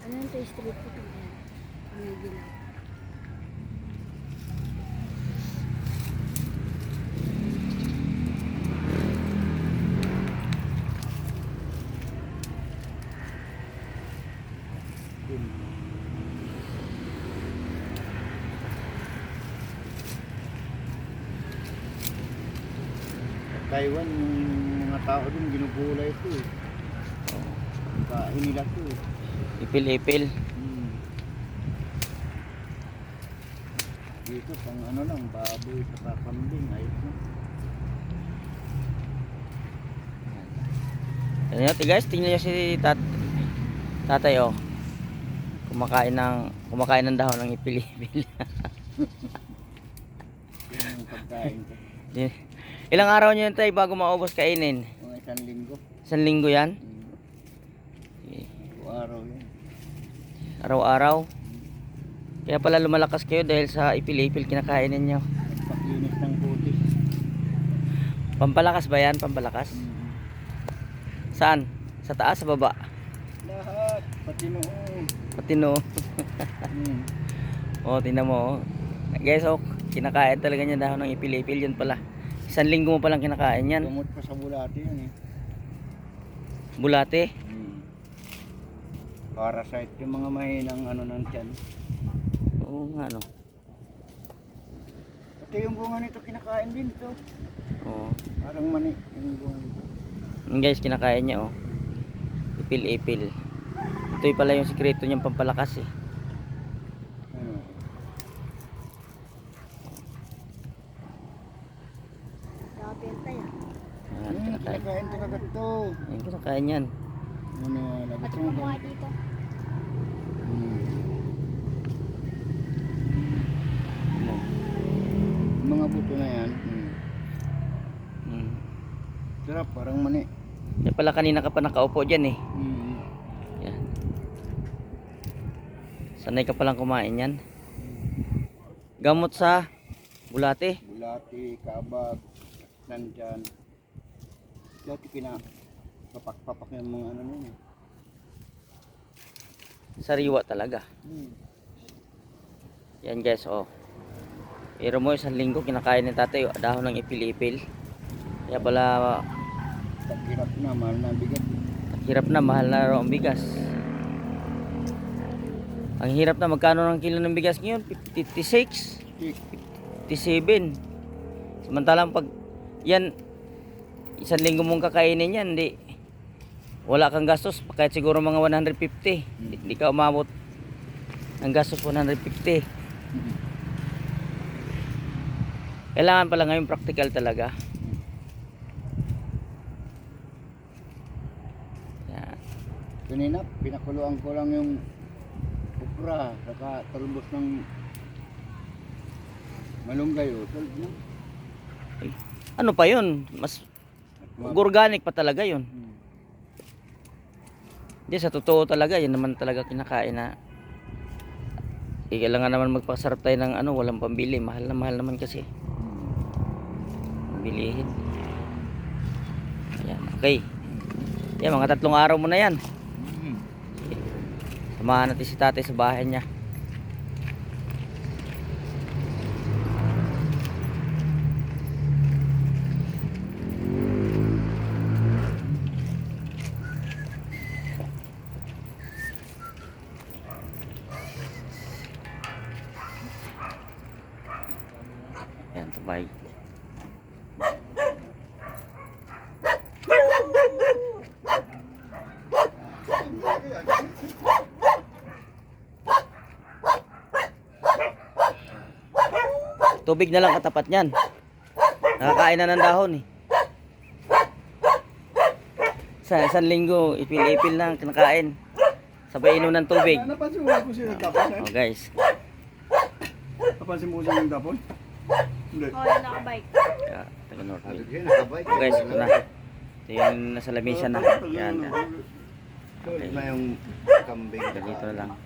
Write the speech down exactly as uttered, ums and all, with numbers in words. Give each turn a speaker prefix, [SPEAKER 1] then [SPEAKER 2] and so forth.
[SPEAKER 1] Ano yung sa street food? Yan. May dilaw.
[SPEAKER 2] Taiwan, yung mga tao dun, ginugulay ito eh. Kain nila ito eh.
[SPEAKER 3] Ipil-ipil.
[SPEAKER 2] Hmm. Dito, pang ano lang, baboy, saka kambing, ayos na.
[SPEAKER 3] Ano yun, guys, tingnan nyo si tat tatay oh. Kumakain ng kumakain ng dahon ng ipil-ipil.
[SPEAKER 2] Yun yung pagkain ko.
[SPEAKER 3] Ilang araw nyo yun tayo bago maubos kainin?
[SPEAKER 2] Mga isang linggo.
[SPEAKER 3] Isang linggo yan?
[SPEAKER 2] Hmm.
[SPEAKER 3] Okay.
[SPEAKER 2] Araw yun.
[SPEAKER 3] Araw-araw. Kaya pala lumalakas kayo dahil sa ipil-ipil kinakain ninyo.
[SPEAKER 2] Paglinis ng kutis.
[SPEAKER 3] Pampalakas ba yan? Pampalakas?
[SPEAKER 2] Hmm.
[SPEAKER 3] Saan? Sa taas, sa baba?
[SPEAKER 2] Lahat, pati noon.
[SPEAKER 3] Pati no.
[SPEAKER 2] Hmm.
[SPEAKER 3] Oh, tingnan mo oh. Guys, oh, kinakain talaga niya dahon ng ipil-ipil yun pala. Isang linggo mo palang kinakain yan.
[SPEAKER 2] Tumot pa sa bulati yan eh.
[SPEAKER 3] Bulate.
[SPEAKER 2] Hmm. Parasite yung mga mahinang ano ng tiyan.
[SPEAKER 3] Oo nga no.
[SPEAKER 2] Pati yung bunga nito kinakain din ito.
[SPEAKER 3] Oo.
[SPEAKER 2] Parang mani yung bunga.
[SPEAKER 3] Yung guys, kinakain niya oh. Ipil-ipil. Ito yung pala yung sikreto niyang pampalakas eh.
[SPEAKER 2] Ano?
[SPEAKER 1] Nakapenta yan.
[SPEAKER 3] Ayan,
[SPEAKER 2] Hmm,
[SPEAKER 3] kinakain.
[SPEAKER 2] kinakain talaga ito.
[SPEAKER 3] Ayan, kinakain yan.
[SPEAKER 2] Ano, labas
[SPEAKER 1] Pati
[SPEAKER 2] mo ba?
[SPEAKER 1] kumuha dito.
[SPEAKER 2] Hmm.
[SPEAKER 3] Ano?
[SPEAKER 2] Yung mga buto na yan. Hmm.
[SPEAKER 3] Hmm.
[SPEAKER 2] Sarap, parang mani.
[SPEAKER 3] Kaya pala kanina ka pa nakaupo dyan eh.
[SPEAKER 2] Hmm.
[SPEAKER 3] Yan. Sanay ka palang kumain yan. Gamot sa bulate.
[SPEAKER 2] Bulati, kabag, nandyan. Dati kina papak-papak yung mga ano nun eh.
[SPEAKER 3] Sariwa talaga.
[SPEAKER 2] Hmm.
[SPEAKER 3] Yan guys oh. Pero mo isang linggo kinakain ni tatay oh, dahon ng ipil-ipil. Kaya pala
[SPEAKER 2] Taghirap na, mahal na ang bigat.
[SPEAKER 3] hirap na, mahal na raw ang bigas. Ang hirap na, magkano ng kilo ng bigas ngayon? fifty-six,
[SPEAKER 2] Tik.
[SPEAKER 3] fifty-seven. Samantalang pag yan isang linggo mong kakainin yan, hindi wala kang gastos kahit siguro mga one hundred fifty. Hindi, hindi ka umabot ng gastos one hundred fifty. Kailangan pala ngayon practical talaga. Yan.
[SPEAKER 2] Kanina, pinakuluan ko lang yung okra, saka talbos ng malunggay o. Talbos na.
[SPEAKER 3] Ano pa yun? Mas organic pa talaga yun.
[SPEAKER 2] Hmm.
[SPEAKER 3] Hindi, sa totoo talaga, yan naman talaga kinakain na. Eh, kailangan naman magpasarap tayo ng ano, walang pambili. Mahal na mahal naman kasi. Bilihin. Ayan, okay. Yan, mga tatlong araw mo na yan.
[SPEAKER 2] Hmm.
[SPEAKER 3] Samahan natin si tatay sa bahay niya. Ayan, tabay. Tubig na lang katapat niyan. Nakakain na ng dahon eh. Sa isang linggo, ipil-ipil lang kinakain. Sabay inom ng tubig.
[SPEAKER 2] Napansin mo kung sino nagtapon?
[SPEAKER 3] Oh guys.
[SPEAKER 2] Napansin mo kung sino nagtapon? Hindi.
[SPEAKER 1] Oo, yung nakabike.
[SPEAKER 3] Kaya, taga Northville.
[SPEAKER 2] Yan, nakabike.
[SPEAKER 3] Oh guys, ito na. Ito yung nasa lamisa na. Yan. yan.
[SPEAKER 2] Sulit na yung kambing.
[SPEAKER 3] Ganito na lang.